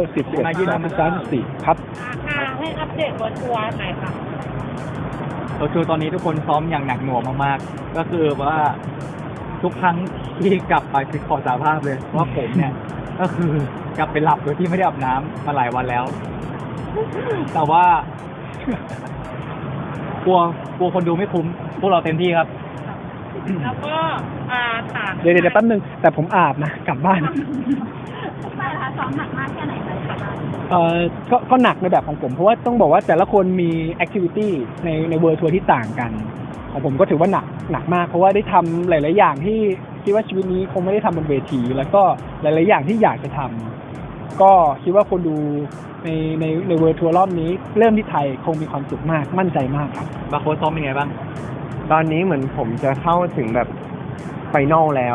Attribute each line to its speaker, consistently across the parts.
Speaker 1: 10 11 13 14ครับ
Speaker 2: ให้อัปเดตวันทัวร์หน่อยค่ะ
Speaker 3: คือตอนนี้ทุกคนซ้อมอย่างหนักหน่วงมากๆก็คือว่าทุกครั้งที่กลับไปคือขอสารภาพเลยว่าผมเนี่ยก็คือกลับไปหลับโดยที่ไม่ได้อาบน้ำมาหลายวันแล้ว แต่ว่ากลัวคนดูไม่คุ้มพวกเราเต็มที่ครับ
Speaker 2: แล้วก็ถาม
Speaker 1: เดี๋ยวแป๊บนึงแต่ผมอาบนะกลับบ้าน
Speaker 2: ไปค่ะซ้อมหนักมากแค่ไหนคะ
Speaker 1: ก็หนักในแบบของผมเพราะว่าต้องบอกว่าแต่ละคนมีแอคทิวิตี้ในเวิร์ทัวร์ที่ต่างกันของผมก็ถือว่าหนักมากเพราะว่าได้ทำหลายๆอย่างที่คิดว่าชีวิตนี้คงไม่ได้ทำบนเวทีแล้วก็หลายๆอย่างที่อยากจะทำก็คิดว่าคนดูในเวิร์ทัวร์รอบนี้เริ่มที่ไทยคงมีความสุขมากมั่นใจมากครับ
Speaker 3: บาโค้ดซ้อมเป็นไงบ้าง
Speaker 4: ตอนนี้เหมือนผมจะเข้าถึงแบบไฟนอลแล้ว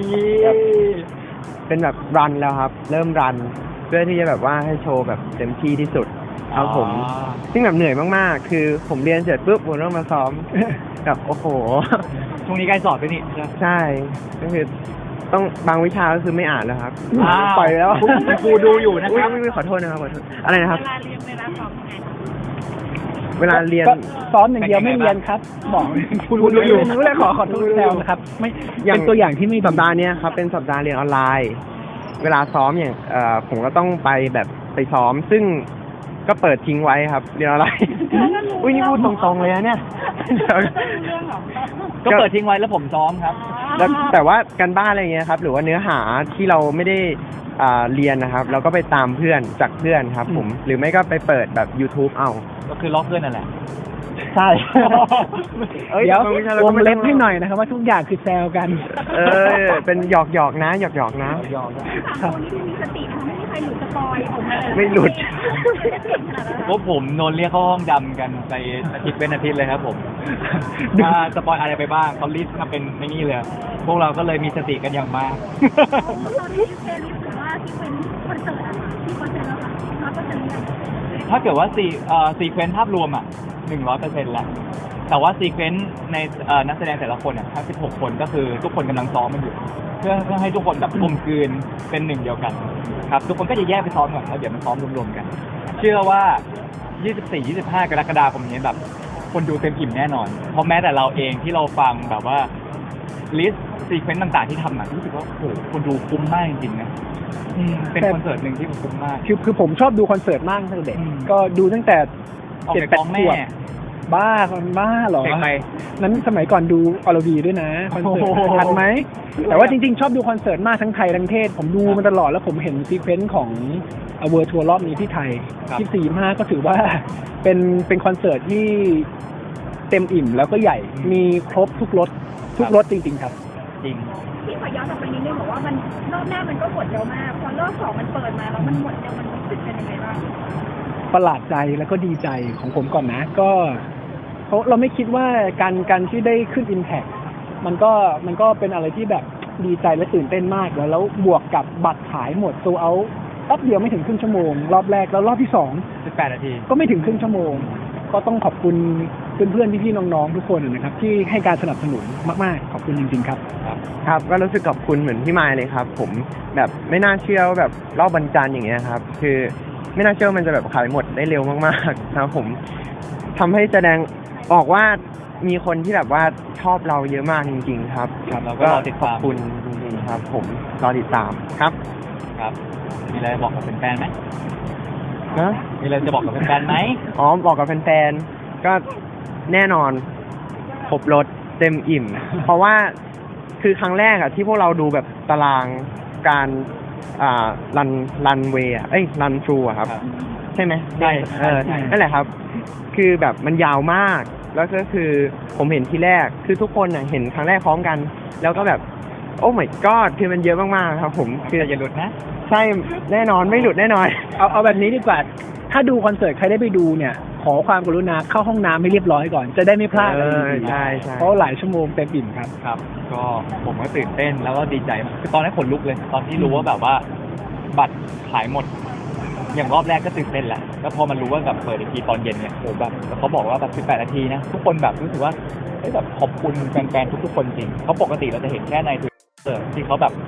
Speaker 4: เป็นแบบรันแล้วครับเริ่มรันเพื่อที่จะแบบว่าให้โชว์แบบเต็มที่ที่สุดครับผมซึ่งแบบเหนื่อยมากๆคือผมเรียนเสร็จปุ๊บผมต้องมาซ้อมแบบโอ้โห
Speaker 3: ช่วงนี้ใกล้สอบด้วยนี่
Speaker 4: ใช่ก็คือต้องบางวิชาก็คือไม่อ่านแล้วครับ
Speaker 3: ปล่อยแล้วครูดูอยู่นะครับ
Speaker 4: ขอโทษนะครับขอโทษอะไรนะครับ
Speaker 2: เวลาเรียนเวลาซ้อมไง
Speaker 4: เวลาเรียน
Speaker 1: ซ้อมอย่างเดียวไม่เรียนครับบอกคุณดูอยู่รู้เลยขอโทษแล้วนะครับไม่เป็นตัวอย่างที่ไม่
Speaker 4: สัปดาห์นี้ครับเป็นสัปดาห์เรียนออนไลน์เวลาซ้อมอย่างผมก็ต้องไปซ้อมซึ่งก็เปิดทิ้งไว้ครับเรียนออนไลน์อุ้ยนี่พูดตรงๆเลยนะเนี่ย
Speaker 3: ก็เปิดทิ้งไว้แล้วผมซ้อมครับ
Speaker 4: แต่ว่าการบ้านอะไรเงี้ยครับหรือว่าเนื้อหาที่เราไม่ได้เรียนนะครับเราก็ไปตามเพื่อนจากเพื่อนครับผมหรือไม่ก็ไปเปิดแบบ YouTube เอา
Speaker 3: ก็คือล็อกเพื่อนนั่นแหละ
Speaker 1: ใช่เดี๋ยววงเล็บให้หน่อยนะครับว่าทุกอย่างคือแซวกัน
Speaker 4: เป็นหยอกนะหยอกนะ
Speaker 2: คนที่มีสติไม่มีใครหลุดสปอยผม
Speaker 4: ไม่หลุด
Speaker 3: พวกผมโดนเรียกเข้าห้องดำกันไปอาทิตย์เป็นอาทิตย์เลยครับผมถ้าสปอยอะไรไปบ้างเขาลิสต์มาเป็นไม่นี่เลยพวกเราก็เลยมีสติกันอย่างมาก
Speaker 2: เราได้เพลย์ลิสต์หรือว่าที่เป็นคอนเสิร์ตที่คอนเสิร์ตแล้วค่ะก็จะเรียน
Speaker 3: ถ้าเกิดว่าซีเควนซ์ภาพรวม100%แล้วแต่ว่าซีเควนซ์ในนักแสดงแต่ละคนทั้ง16คนก็คือทุกคนกำลังซ้อมมันอยู่เพื่อให้ทุกคนแบบกลมกลืนเป็นหนึ่งเดียวกันครับทุกคนก็จะแยกไปซ้อมก่อนแล้วเดี๋ยวมันซ้อมรวมๆกันเชื่อว่า24-25 กรกฎาคมนี้แบบคนดูเต็มอิ่มแน่นอนเพราะแม้แต่เราเองที่เราฟังแบบว่าลิสต์ซีเควนซ์ต่างๆที่ทำรู้สึกว่าโอ้โหคนดูคุ้มมากจริงๆนะเป็นคอนเสิร์ตหนึ่งที่คุ้มมาก
Speaker 1: คือผมชอบดูคอนเสิร์ตมากตั้งแต่เด็กก็ดูตั้งแต่
Speaker 3: 7-8 ขวบ
Speaker 1: บ้าเหรอนั้นสมัยก่อนดูอรวีด้วยนะคอนเสิร์ตทันไหมแต่ว่าจริงๆชอบดูคอนเสิร์ตมากทั้งไทยทั้งเทศผมดูมาตลอดแล้วผมเห็นซีเควนซ์ของเวิร์ทัวร์รอบนี้ที่ไทย24-25ก็ถือว่าเป็นคอนเสิร์ตที่เต็มอิ่มแล้วก็ใหญ่มีครบทุกรสจริงๆครับ
Speaker 3: จริง
Speaker 2: ที่ขอย้อนกลับไปนิดนึงบอกว่ามันรอบแรกมันก็หมดเร็วมากพอรอบ2มันเปิดมาแล้วมันหมดเร็วมันรู้สึกเป็นยังไงบ้าง
Speaker 1: ประหลาดใจแล้วก็ดีใจของผมก่อนนะก็เราไม่คิดว่าการที่ได้ขึ้น Impact มันก็เป็นอะไรที่แบบดีใจและตื่นเต้นมากแล้วบวกกับบัตรขายหมดโซลเอาท์แป๊บเดียวไม่ถึงครึ่งชั่วโมงรอบแรกแล้วรอบที่
Speaker 3: 18 นาที
Speaker 1: ก็ไม่ถึงครึ่งชั่วโมงก็ต้องขอบคุณเพื่อนๆพี่ๆน้องๆทุกคนนะครับที่ให้การสนับสนุนมากๆขอบคุณจริงๆครับ
Speaker 4: ครับก็รู้สึกขอบคุณเหมือนพี่มายเลยครับผมแบบไม่น่าเชื่อว่าแบบรอบวันจันทร์อย่างเงี้ยครับคือไม่น่าเชื่อมันจะแบบขายหมดได้เร็วมากๆนะครับผมทำให้แสดงออกว่ามีคนที่แบบว่าชอบเราเยอะมากจริงๆครับ
Speaker 3: แล้วก็
Speaker 4: ขอบคุณจริงๆครับผมรอติดตามครับ
Speaker 3: มีอะไรบอกกับแฟนๆไหม
Speaker 4: นะ
Speaker 3: มีอะไรจะบอกกับแฟนๆไหม
Speaker 4: บอกกับแฟนๆก็แน่นอนครบรถเต็มอิ่ม เพราะว่าคือครั้งแรกที่พวกเราดูแบบตารางการรันเวย์รันทรูครับใช่ไหม
Speaker 3: ใช่
Speaker 4: นั่นแหละครับคือแบบมันยาวมากแล้วก็คือผมเห็นทีแรกคือทุกคนเห็นครั้งแรกพร้อมกันแล้วก็แบบโอ้ my god คือมันเยอะมากๆครับผม
Speaker 3: คืออย่าหลุดนะ
Speaker 4: ใช่แน่นอนไม่หลุดแน่นอน
Speaker 1: เอาแบบนี้ดีกว่าถ้าดูคอนเสิร์ตใครได้ไปดูเนี่ยขอความกรุณาเข้าห้องน้ำให้เรียบร้อยก่อนจะได้ไม่พลาด
Speaker 4: ใช่
Speaker 1: เพราะหลายชั่วโมงเต็มอิ่ม
Speaker 3: ครับก็ผมก็ตื่นเต้นแล้วก็ดีใจคือตอนนั้นขนลุกเลยตอนที่รู้ว่าแบบว่าบัตรขายหมดอย่างรอบแรกก็ตื่นเต้นแหละแล้วพอมันรู้ว่าแบบเปิดอีกทีตอนเย็นเนี่ยโหแบบเขาบอกว่าแบบ18 นาทีนะทุกคนแบบรู้สึกว่าแบบขอบคุณแฟนๆทุกๆคนจริงเพราะปกติเราจะเห็นแค่ใน Twitter ที่เขาแบบ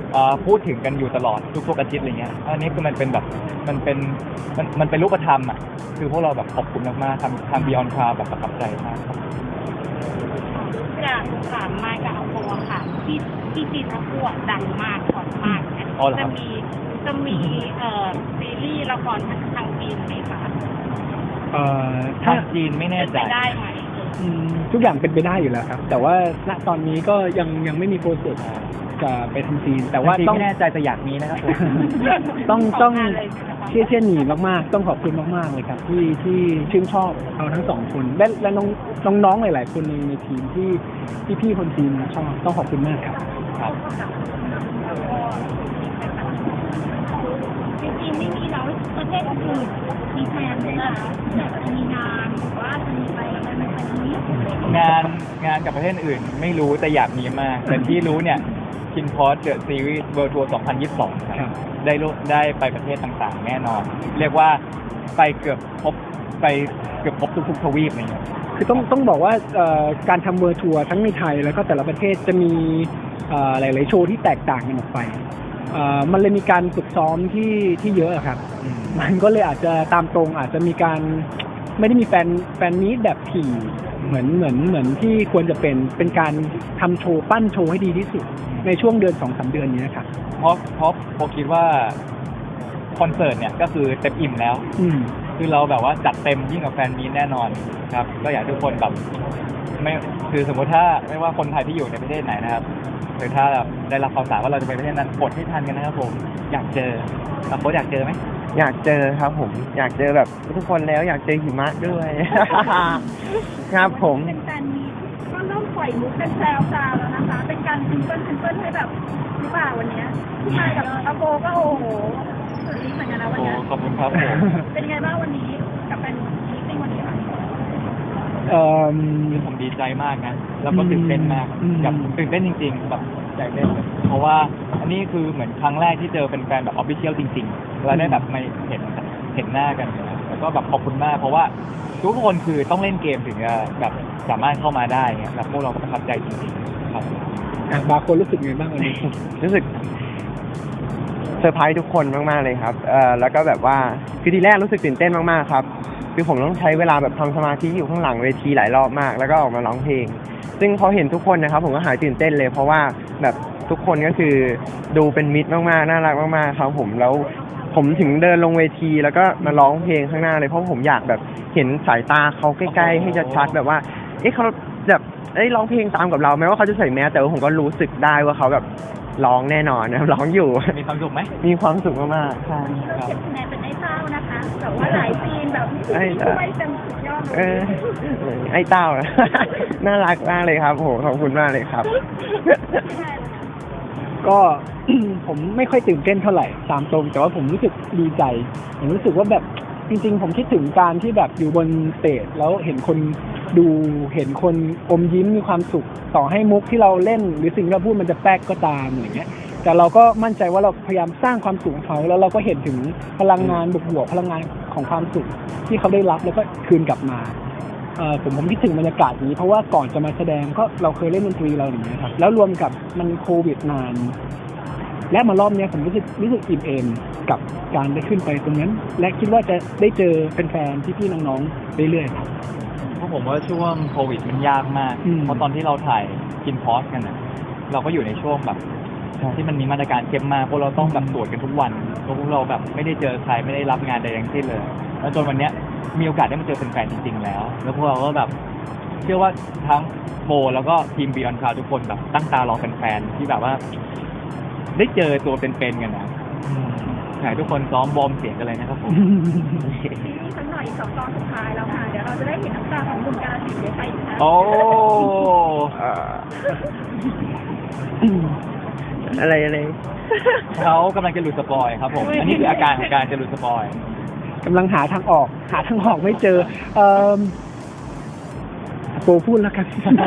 Speaker 3: พูดถึงกันอยู่ตลอดทุกๆอาทิตย์อะไรเงี้ยอันนี้คือมันเป็นแบบมันเป็นรูปธรรมอ่ะคือพวกเราแบบขอบคุณมากๆทำ Beyond Cloud แบบประทับใจมากครับ
Speaker 5: อยากถามมากับอาโปค่ะที่จีนเขาพูดดังมากฮอตมากเนี่ย
Speaker 3: อ๋อเหรอค
Speaker 5: จะ
Speaker 3: รับ
Speaker 5: มีซีรีส์ละครทางจีนไหมคะ
Speaker 1: ถ้า
Speaker 3: ทางจีนไม่แน่
Speaker 5: เป็น
Speaker 3: ใจ
Speaker 5: ไปได้ไหม
Speaker 1: ทุกอย่างเป็นไปได้อยู่แล้วครับ แต่ว่าณตอนนี้ก็ยังไม่มีโปรเซสจะไปทำซีน แต่ว่า
Speaker 3: ทางจีน
Speaker 1: ต้อง
Speaker 3: ไม่แน่ใจแต่อยากมีนะครับผม
Speaker 1: ต้อง
Speaker 5: ขงานเลยใช่ไหมคะ
Speaker 1: เชี่ยหนีมากๆ ต้องขอบคุณมากๆเลยครับที่ชื่นชอบเราทั้งสองคนและน้องๆหลายๆคนในทีมที่พี่คนทีมชอบต้องขอบคุณมากครับ
Speaker 3: ครับ
Speaker 2: จริงๆไม่มีแล้วประเทศอื่นมีแพลนไหมคะอยากจะมีงานหรือว่าจะมีไปอะไรไหมคะนี้
Speaker 3: งานกับประเทศอื่นไม่รู้แต่อยากมีมาก แต่ที่รู้เนี่ยคินพอสเดอะซีรีส์เวิลด์ทัวร์ 2022 ค
Speaker 1: ครั
Speaker 3: รับบ ได้ไปประเทศต่างๆ แน่นอน เรียกว่าไปเกือบครบทุกๆทวีปอะไรเงี้ย
Speaker 1: คือต้องบอกว่าการทำเวอร์ทัวร์ทั้งในไทยแล้วก็แต่ละประเทศจะมีหลายๆโชว์ที่แตกต่างกันออกไปมันเลยมีการฝึกซ้อมที่เยอะอะครับ มันก็เลยอาจจะตามตรงอาจจะมีการไม่ได้มีแฟนมีตแบบถี่เหมือนที่ควรจะเป็นการทำโชว์ปั้นโชว์ให้ดีที่สุดในช่วงเดือน 2-3 เดือนนี้นะครับ
Speaker 3: เพราะผมคิดว่าคอนเสิร์ตเนี่ยก็คือเต็มอิ่มแล้ว
Speaker 1: อืม
Speaker 3: คือเราแบบว่าจัดเต็มยิ่งกว่าแฟนมีตแน่นอนครับ ก็อยากให้ทุกคนแบบไม่คือสมมติถ้าไม่ว่าคนไทยที่อยู่ในประเทศไหนนะครับหรือถ้าแบบได้รับข่าวสารว่าเราจะไปประเทศนั้นกดให้ทันกันนะครับผมอยากเจอโค้ชอยากเจอไหม
Speaker 4: อยากเจอครับผมอยากเจอแบบทุกคนแล้วอยากเจอหิมะด้วย ครับผม
Speaker 2: เป็นการมีก็เริ่มปล่อยมุกเป็นแซวๆแล้วนะคะ เป็นการซิงเกิลให้แบบหรือเปล่าวันเนี้ยที่มากับอาโปก็โอ้โหสุดฤทธิ์เหมือนกันนะวัน
Speaker 3: โอ้
Speaker 2: เนี้ย
Speaker 3: ขอบคุณครับผม
Speaker 2: เป็นไงบ้างวันนี้กับแฟนมิตติ้งวันนี้ค่ะ
Speaker 3: ผมดีใจมากนะแล้วก็ตื่นเต้นมาก
Speaker 1: อืม
Speaker 3: แบบตื่นเต้นจริงๆแบบใจเต้นเลยเพราะว่าอันนี้คือเหมือนครั้งแรกที่เจอเป็นแฟนแบบออฟฟิเชียลจริงๆเราได้แบบไม่เห็นหน้ากันนะแล้วก็แบบขอบคุณมากเพราะว่าทุกคนคือต้องเล่นเกมถึงจะแบบสามารถเข้ามาได้เงี้ยแบบพวกเราก็ประทับใจจริงๆครับ
Speaker 1: บางคนรู้สึกไงบ้างวันนี้
Speaker 4: รู้สึกเซอร์ไพรส์ทุกคนมากๆเลยครับแล้วก็แบบว่าคือทีแรกรู้สึกตื่นเต้นมากๆครับคือผมต้องใช้เวลาแบบทำสมาธิอยู่ข้างหลังเวทีหลายรอบมาก แล้วก็ออกมาร้องเพลง ซึ่งพอเห็นทุกคนนะครับผมก็หายตื่นเต้นเลย เพราะว่าแบบทุกคนก็คือดูเป็นมิตรมากๆน่ารักมากๆครับผมแล้วผมถึงเดินลงเวทีแล้วก็มาร้องเพลงข้างหน้าเลยเพราะผมอยากแบบเห็นสายตาเขาใกล้ๆให้ชัดๆแบบว่าเขาแบบร้องเพลงตามกับเราแม้ว่าเขาจะใส่แมสแต่ว่าผมก็รู้สึกได้ว่าเขาแบบร้องแน่นอนนะครับร้องอยู่
Speaker 3: มีความสุขไหม
Speaker 4: มีความสุขมากๆใช่
Speaker 2: เก็บคะแนนเป็นไอ้เต้านะคะแต่ว่าหลายซีนแบบที่ช่วยเต็มสุดยอดเล
Speaker 4: เอย อไอ้เต้า น่ารักมากเลยครับโหขอบคุณมากเลยครับ
Speaker 1: ก็ ผมไม่ค่อยตื่นเต้นเท่าไหร่ตามตรง แต่ว่าผมรู้สึกดีใจ ผมรู้สึกว่าแบบจริงๆ ผมคิดถึงการที่แบบอยู่บนสเตจแล้วเห็นคนดูเห็นคนอมยิ้มมีความสุข ต่อให้มุกที่เราเล่น หรือสิ่งที่เราพูดมันจะแป๊กก็ตามอย่างเงี้ย แต่เราก็มั่นใจว่าเราพยายามสร้างความสุขให้เขาแล้วเราก็เห็นถึงพลังงานบวกๆพลังงานของความสุขที่เขาได้รับแล้วก็คืนกลับมาผมคิดถึงบรรยากาศนี้เพราะว่าก่อนจะมาแสดงก็เราเคยเล่นดนตรีเราอย่างเงี้ยครับแล้วรวมกับมันโควิดนาน และมารอบเนี้ยผมรู้สึกอิ่มเอมกับการได้ขึ้นไปตรงนั้น และคิดว่าจะได้เจอแฟนๆพี่ๆน้องๆเรื่อยๆครับ
Speaker 3: เพราะผมว่าช่วงโควิดมันยากมาก
Speaker 1: อืม
Speaker 3: เพราะตอนที่เราถ่ายกินพอสกันนะเราก็อยู่ในช่วงแบบที่มันมีมาตรการเข้มมากพวกเราต้องแบบตรวจกันทุกวันพวกเราแบบไม่ได้เจอใครไม่ได้รับงานใดทั้งสิ้นเลย แล้วจนวันเนี้ยมีโอกาสได้มาเจอแฟนๆจริงๆแล้ว แล้วพวกเราก็แบบเชื่อว่าทั้งโบแล้วก็ทีม Beyond Cloud ทุกคนแบบตั้งตารอแฟนๆที่แบบว่า ได้เจอตัวเป็นๆกันนะอยากให้ทุกคนซ้อมวอร์มเสียงกันเลยนะครับผม
Speaker 2: ซีรีส์สักหน่อยอีก2 ตอนสุดท้ายแล้วค่ะเดี๋ยวเราจะได้เห็นน้ำตาของหนุ่มกาลสินธุ์ได้ไปอีกนะ
Speaker 3: โอ้
Speaker 4: อะไร
Speaker 3: เขากำลังจะหลุดสปอยครับผม อันนี้คืออาการของการจะหลุดสปอย
Speaker 1: กำลังหาทางออกไม่เจอโปรพูดแล้วกัน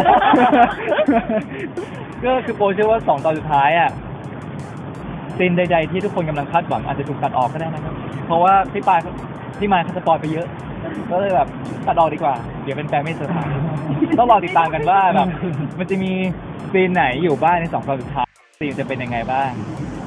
Speaker 3: ก็คือโปรเชื่อว่า2 ตอนสุดท้ายอ่ะซีนใดๆที่ทุกคนกำลังคาดหวังอาจจะถูกตัดออกก็ได้นะครับ เพราะว่าพี่มายเขาสปอยไปเยอะ ก็เลยแบบตัดออกดีกว่า เดี๋ยวเป็นแฟนไม่เซอร์ไพรส์ต้องรอติดตามกันว่าแบบมันจะมีซีนไหนอยู่บ้างใน2 ตอนสุดท้ายซีนจะเป็นยังไงบ้าง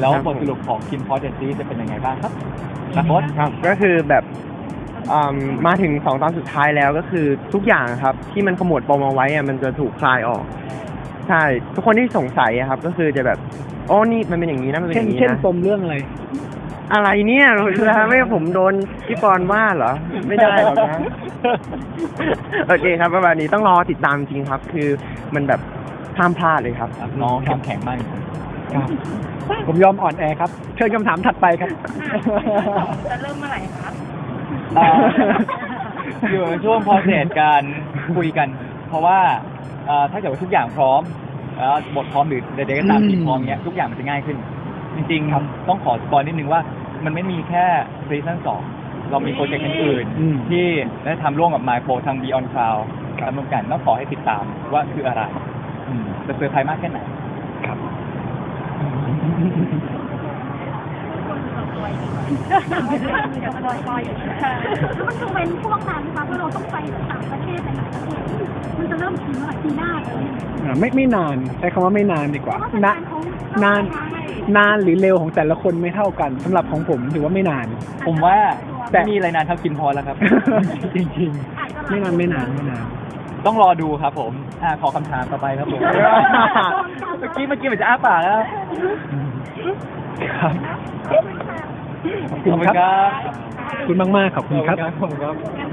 Speaker 3: แล้ว
Speaker 4: ครับ
Speaker 3: บทสรุปของคิมพอสเดนซีจะเป็นยังไงบ้างครับนักบอส
Speaker 4: ครับก็คือแบบมาถึง2 ตอนสุดท้ายแล้วก็คือทุกอย่างครับ ที่มันขมวดปมเอาไว้อะมันจะถูกคลายออก ใช่ ทุกคนที่สงสัยอะครับ ก็คือจะแบบโอ้นี่มันเป็นอย่างนี้นะมันเป็นอย่างนี้
Speaker 1: เช่น
Speaker 4: นะ
Speaker 1: ปมเรื่องอะไร
Speaker 4: อะไรเนี่ยจะทำให้ผมโดนพี่ปอนว่าเหรอ ไม่ได้หรอกนะ โอเคครับประมาณนี้ต้องรอติดตามจริงครับ คือมันแบบห้ามพลาดเลยครับ
Speaker 3: น้องเข้มแข็งมากจริง
Speaker 1: ครับ ผมยอมอ่อนแอครับ เชิญคำถามถัดไปครับ
Speaker 5: จะเริ่มเมื่อไหร่ครับ
Speaker 3: ๆอยู่ในช่วง process การคุยกัน เพราะว่าถ้าเกิดว่าทุกอย่างพร้อมบทพร้อมหรือใดๆก็ตามที่พร้อมเนี้ยทุกอย่างมันจะง่ายขึ้น จริงๆต้องขอสปอยนิดนึงว่ามันไม่มีแค่ซีซั่น2เรามีโปรเจกต์อื่น
Speaker 1: อืม
Speaker 3: ๆที่ได้ทำร่วมกับ MyPro ทาง Beyond Cloud ทำร่วมกันต้องขอให้ติดตามว่าคืออะไรจะเซอร์ไพรส์มากแค่ไหน
Speaker 1: ครับ
Speaker 2: แล้วมันจะเว้นช่วงนานไหมคะเพราะเราต้องไปต่างประเทศไปหลายประเทศมันจะเริ่มถึงเมื่อไหร่ปีหน้าเลย
Speaker 1: ไม่นานใช้คำว่าไม่นานดีกว่า
Speaker 2: เพราะว่า
Speaker 1: นะ
Speaker 2: นาน
Speaker 1: นานหรือเร็วของแต่ละคนไม่เท่ากันสำหรับของผมถือว่าไม่นาน
Speaker 3: ผมว่า
Speaker 1: แต่
Speaker 3: ไม่มีอะไรนานเท่ากินพอแล้วครับ จริง
Speaker 1: ไม่นานไม่นานไม่นาน
Speaker 3: ๆ ต้องรอดูครับผมขอคำถามต่อไปครับผม เมื่อกี้เหมือนจะอ้าปากแล้ว
Speaker 1: ครับ ขอบ
Speaker 3: ขอบ
Speaker 1: คุ
Speaker 3: คุณ ณ
Speaker 1: ครับ
Speaker 3: ครับ
Speaker 1: ขอบคุณมากๆขอบคุณครับ
Speaker 3: ขอบคุณครับ
Speaker 2: งั้น